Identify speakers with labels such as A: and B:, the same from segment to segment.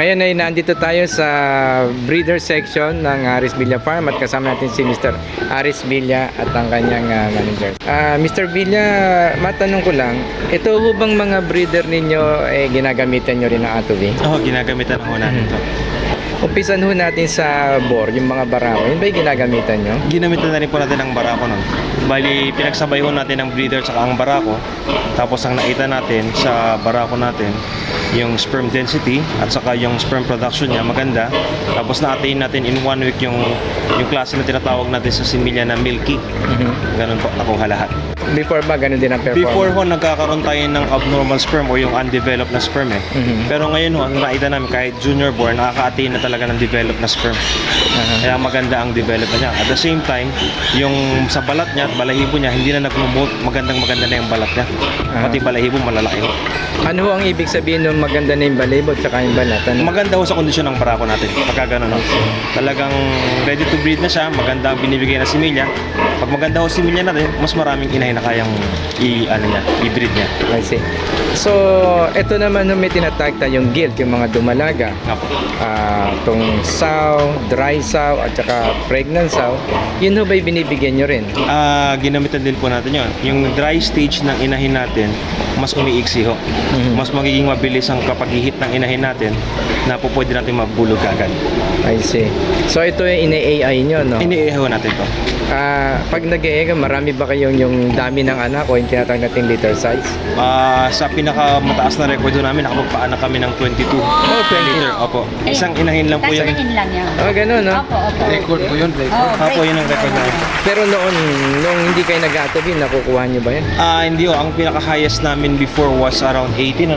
A: Ngayon ay nandito tayo sa breeder section ng Aris Villa Farm at kasama natin si Mr. Aris Villa at ang kanyang manager. Mr. Villa, matanong ko lang, ito ho bang mga breeder ninyo ginagamitan nyo rin ng Atobi?
B: Oo, ginagamitan ho natin ito.
A: Umpisan ho natin sa bore, yung mga barako. Yun ba yung ginagamitan nyo?
B: Ginamitan na rin po natin ang barako nun. Bali, pinagsabay ho natin ang breeder sa ang barako. Tapos ang nakita natin sa barako natin, yung sperm density at saka yung sperm production niya maganda. Tapos na-attain natin in 1 week yung klase na tinatawag natin sa similya na milky. Ganun po, nakuha lahat.
A: Before ba, ganun din ang performance?
B: Before ho, nagkakaroon tayo ng abnormal sperm o yung undeveloped na sperm eh. Pero ngayon ho, ang nakita namin kahit junior born, nakaka-attain na talaga ng developed na sperm. Kaya maganda ang development niya. At the same time, yung sa balat niya at balahibo niya, hindi na nag-molt. Maganda na yung balat niya. Pati balahibo malalaki ho.
A: Ano ho ang ibig sabihin ng maganda na yung balahibo at saka yung balat? Ano?
B: Maganda ho sa kondisyon ng barako natin. Pagka gano'n ho. Talagang ready to breed na siya. Maganda ang binibigay na similya. Pag maganda ho similya natin, mas maraming inahin na kayang i-breed niya.
A: I see. So, ito naman may tinatag tayong gilt, yung mga dumalaga.
B: Apo.
A: Itong sow, dry sow, at saka pregnant sow. Yun ho ba'y binibigyan nyo rin?
B: Ginamitan din po natin yun. Yung dry stage ng inahin natin, mas umiiksi ho. Mas magiging mabilis ang kapag-ihit ng inahin natin na po pwede natin mabulog agad.
A: I see. So, ito yung ina-AI nyo, no?
B: Iniihaw natin to.
A: Pag nag-e-ega, marami ba kayong yung dami ng anak o yung tinatawag nating litter size?
B: Sa pinakamataas na record namin, nakapagpaanak kami ng 22 liter. Opo. Isang inahin lang po yun.
C: Inahin lang yan.
A: Ganun, no?
C: Opo.
D: Record po yun, record.
B: Opo, yun ang record namin.
A: Pero nung hindi kayo nag-atobi, nakukuha nyo ba yan?
B: Hindi ho. Ang pinaka-highest namin before was around 18,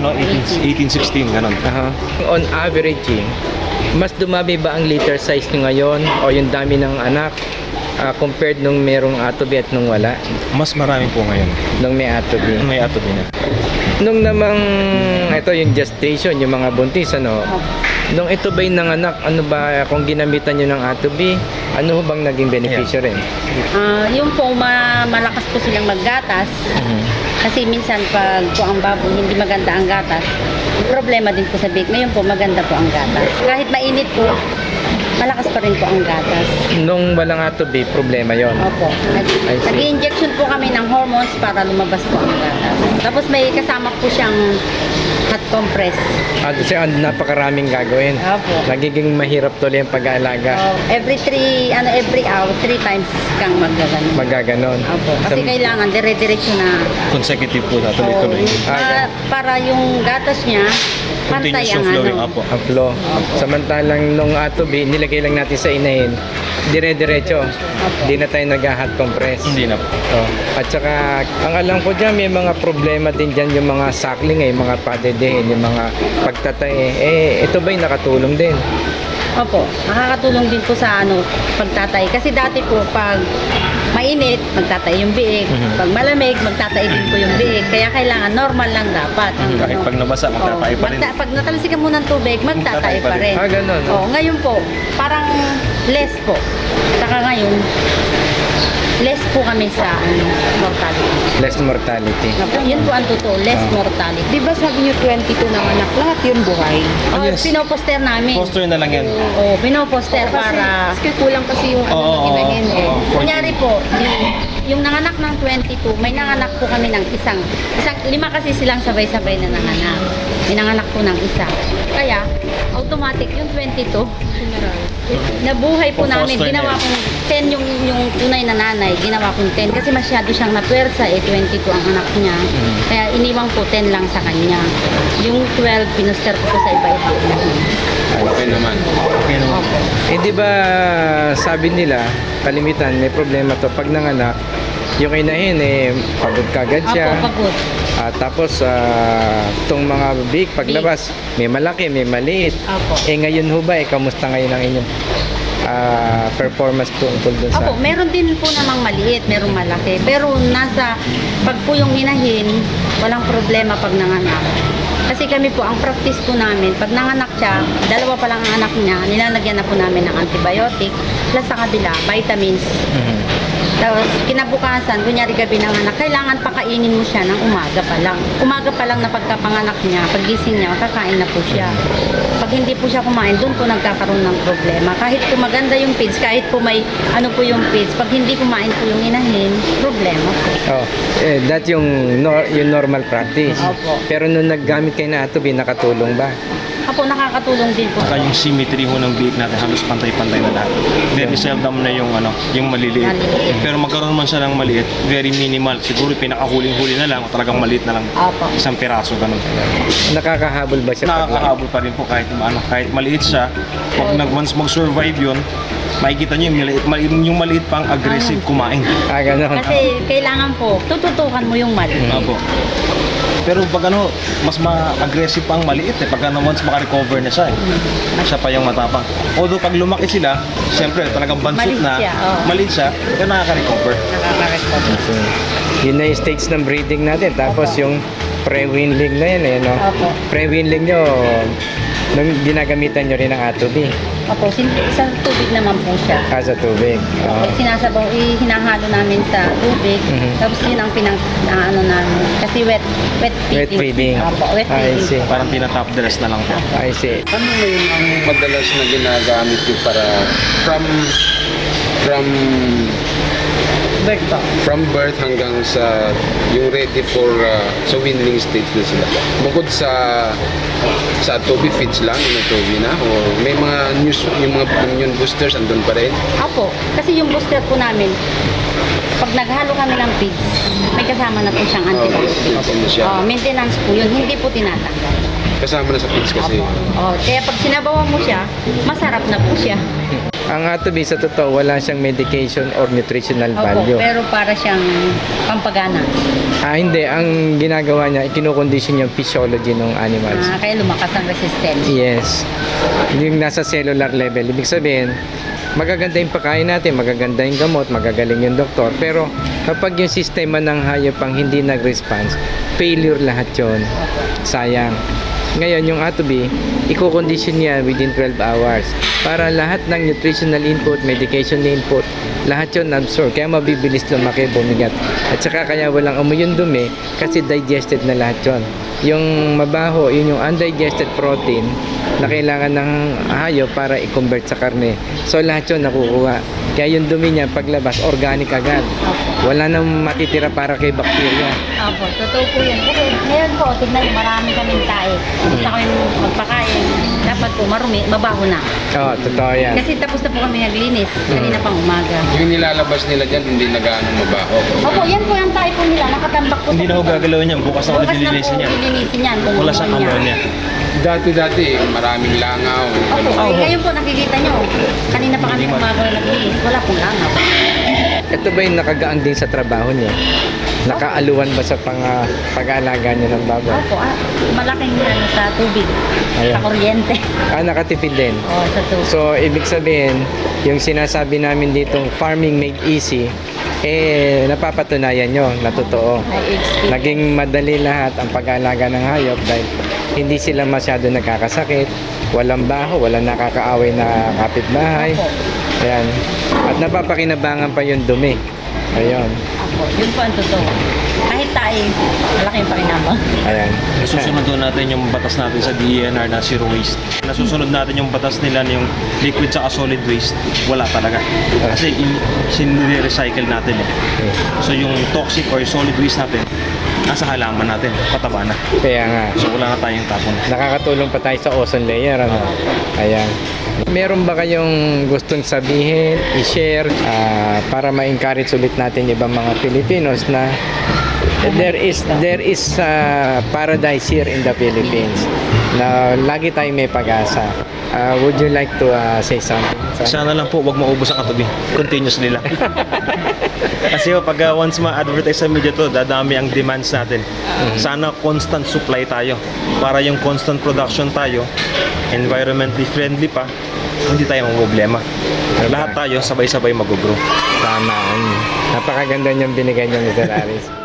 B: 16, ganun.
A: On average, mas dumami ba ang litter size nyo ngayon o yung dami ng anak compared nung merong atobi at nung wala?
B: Mas marami po ngayon.
A: Nung may atobi.
B: May atobi na.
A: Nung namang, ito yung gestation, yung mga buntis, ano? Nung ito ba'y nanganak, ano ba, kung ginamitan nyo ng atobi, ano bang naging beneficyo rin?
C: Yung po, malakas po silang maggatas. Kasi minsan pag po ang baboy hindi maganda ang gatas, problema din po sa bake. Ngayon po maganda po ang gatas. Kahit mainit po, malakas pa rin po ang gatas.
A: Nung walang atobi, problema yon.
C: Opo.
A: I see.
C: Nag-injection po kami ng hormones para lumabas po ang gatas. Tapos may kasama po siyang hot compress.
A: Kasi napakaraming gagawin.
C: Opo.
A: Nagiging mahirap tuloy ang pag-aalaga.
C: Every hour, 3 times kang magaganon.
A: Magaganon.
C: Opo. Kasi kailangan dire-diretso na.
B: Consecutive po, tuloy-tuloy.
C: Para yung gatas niya, pantay
B: Continuous
C: ang
B: yung flowing.
C: ano.
B: Opo.
A: Ang flow. Samantalang nung atobi, nilagay lang natin sa inahin, dire-diretso. Hindi na tayo nag-hot compress.
B: Hindi na po.
A: At saka, ang alam ko dyan, may mga problema din dyan yung mga suckling, yung mga padedehin, yung mga pagtatae. Ito ba'y nakatulong din?
C: Opo, nakakatulong din po sa pagtatay. Kasi dati po, pag mainit, magtatay yung biig. Pag malamig, magtatay din po yung biig. Kaya kailangan normal lang dapat.
B: Kahit pag nabasa, magtatay pa rin.
C: Pag natalsikan mo ng tubig, magtatay pa rin.
A: Ganun.
C: Ngayon po, parang less po. Saka ngayon, less po kami sa mortality.
A: Less mortality.
C: Yun po ang totoo, less mortality.
E: Di ba sabi niyo 22 ng anak, lahat yun buhay?
B: Yes.
C: Pinoposter namin.
B: Poster na lang yan.
C: Oo, pinoposter para...
E: Kasi kulang kasi yung inahin eh.
C: Kunyari po, yung nanganak ng 22, may nanganak po kami ng isang 5 kasi silang sabay-sabay na nanganak. May nanganak po ng isa. Kaya, automatic yung 22, nabuhay po namin.
B: Foster
C: Ginawa
B: na
C: kong 10 yung tunay na nanay. Ginawa kong 10 kasi masyado siyang napwersa 22 ang anak niya. Kaya iniwang po 10 lang sa kanya. Yung 12, pinuster ko po sa iba-iba.
B: Okay naman. Okay naman.
A: Di ba sabi nila, kalimitan, may problema to pag nanganak, yung inahin pagod kagad siya.
C: Ako, pagod.
A: Tapos itong mga big paglabas, may malaki, may maliit.
C: Opo.
A: Ngayon ho ba, kamusta ngayon ang inyong performance tungkol dun sa...
C: Opo, meron din po namang maliit, merong malaki. Pero pag po yung inahin, walang problema pag nanganak. Kasi kami po, ang practice po namin, pag nanganak siya, 2 pa lang ang anak niya, nilalagyan na po namin ng antibiotic, plus sa kabila, vitamins. Tapos kinabukasan, kunyari gabi ng anak, kailangan pakainin mo siya ng umaga pa lang. Umaga pa lang na pagkapanganak niya, paggising niya, kakain na po siya. Pag hindi po siya kumain, doon po nagkakaroon ng problema. Kahit po maganda yung feeds, kahit po may ano po yung feeds, pag hindi kumain po yung inahin, problema po.
A: Oh, that yung normal practice.
C: Opo.
A: Pero nung naggamit kayo na atubi, nakatulong ba?
C: Apo, nakakatulong din po.
B: Saka yung symmetry ho ng biik natin halos pantay-pantay na lahat. Very seldom na yung yung maliliit.
C: Maliliit.
B: Pero magkaroon man siya ng maliit, very minimal. Siguro pinakahuling-huli na lang o talagang maliit na lang.
C: Apo.
B: Isang piraso ganun.
A: Nakakahabol ba siya?
B: Nakakahabol pa rin po kahit maliit siya. Pag once mag-survive yun, makikita nyo yung maliit pang aggressive kumain.
A: Ganon.
C: Kasi kailangan po, tututukan mo yung mali.
B: Opo. Pero pag mas ma-aggressive pang maliit pag once makarecover na siya siya pa yung matapang. Although pag lumaki sila, siyempre talagang bansot
C: Maliit
B: na,
C: siya, oo.
B: maliit siya, pero nakaka-recover.
C: Nakaka-recover.
A: Yun na yung stage ng breeding natin. Tapos yung pre-winling na yun no?
C: Opo.
A: Pre-winling nyo, nung ginagamitan nyo rin ng atubi.
C: Opo, sa tubig naman po siya.
A: Sa tubig.
C: Opo, sinasabaw, hinahalo namin sa tubig.
A: Mhm.
C: Tapos yun ang ano namin. Kasi wet
A: Wet feeding.
C: Opo, wet
A: I
C: feeding.
A: see.
B: Parang tina-top dress na lang po.
A: I see.
D: Ano ngayon ang madalas na ginagamit nyo para from birth hanggang sa yung ready for sa weanling stage na sila? Bukod sa tubi feeds lang, yung tubi na, o may mga yung mga immune boosters andun pa rin?
C: Opo, kasi yung booster po namin, pag naghalo kami ng feeds, may kasama na po siyang antibiotics.
D: Ano siya?
C: Maintenance po yun, hindi po tinatanggal.
D: Kasama na sa feeds kasi.
C: Kaya pag sinabawan mo siya, masarap na po siya.
A: Ang atubi sa totoo, wala siyang medication or nutritional
C: Opo,
A: value.
C: pero para siyang pampagana.
A: Hindi. Ang ginagawa niya, kinokondisyon yung physiology ng animals.
C: Kaya lumakas ang resistance.
A: Yes. Yung nasa cellular level. Ibig sabihin, magaganda yung pagkain natin, magaganda yung gamot, magagaling yung doktor. Pero kapag yung sistema ng hayop ang hindi nag-response, failure lahat yon. Sayang. Ngayon, yung atubi, i-condition niya within 12 hours para lahat ng nutritional input, medication input, lahat yun absorb. Kaya mabibilis lumaki, bumigat. At saka kaya walang amoy yung dumi kasi digested na lahat yun. Yung mabaho, yun yung undigested protein na kailangan ng hayop para i-convert sa karne. So lahat yun nakukuha. Kaya yung dumi niya paglabas, organic agad. Wala nang matitira para kay bakterya.
C: Opo, totoo po yun. Kasi ngayon po, tignan, marami kaming tae. Gusto kami magpakain. Dapat po marumi, mabaho na.
A: Oo, totoo yan.
C: Kasi tapos na po kami naglinis. Kanina pang umaga.
D: Yung nilalabas nila dyan, hindi na gaano mabaho.
C: Opo, yan po yung tae po nila. Nakatambak po
B: Hindi na ho
C: dito.
B: gagalawin yan. Bukas na ulit
C: Bukas na po
B: lilinisin yan.
C: lilinisin yan.
B: Wala siyang ammonia.
D: Dati, maraming langaw.
C: Opo, ngayon po nakikita nyo. Kanina pa kami umaga naglinis. Wala pong langaw.
A: Ito ba yung nakagaang din sa trabaho niyo? Nakaaluwan ba sa pag-aalaga niyo ng baboy?
C: Opo, malaking ano sa tubig.
A: Ayan.
C: Sa kuryente.
A: Nakatipid din.
C: Sa tubig.
A: So, ibig sabihin, yung sinasabi namin ditong farming made easy, napapatunayan nyo na totoo.
C: Ay, experience.
A: Naging madali lahat ang pag-aalaga ng hayop dahil hindi sila masyado nagkakasakit, walang baho, walang nakakaaway na kapitbahay.
C: Opo.
A: Ayan. At napapakinabangan pa yung dumi. Ayun.
C: Opo, yun po ang totoo. Kahit tayo, malaki yung pakinabang.
A: Ayan.
B: Nasusunod doon natin yung batas natin sa DENR na zero waste. Nasusunod natin yung batas nila na yung liquid sa solid waste. Wala talaga. Kasi sinire-recycle natin So yung toxic or solid waste natin, nasa halaman natin, pataba na.
A: Kaya nga.
B: So wala na tayong tapon.
A: Nakakatulong pa tayo sa ozone layer. Ano? Ayan. Meron ba kayong gustong sabihin, i-share para ma-encourage ulit natin ibang mga Filipinos na there is paradise here in the Philippines na lagi tayong may pag-asa. Would you like to say something?
B: Sana lang po, wag maubos ang katabi. Continuously lang. Kasi pag once ma-advertise sa media to, dadami ang demands natin. Sana constant supply tayo. Para yung constant production tayo, environmentally friendly pa, hindi tayo problema. Lahat tayo sabay-sabay mag-grow.
A: Tama. Napakaganda niyang binigay niyo, Mr. Aris.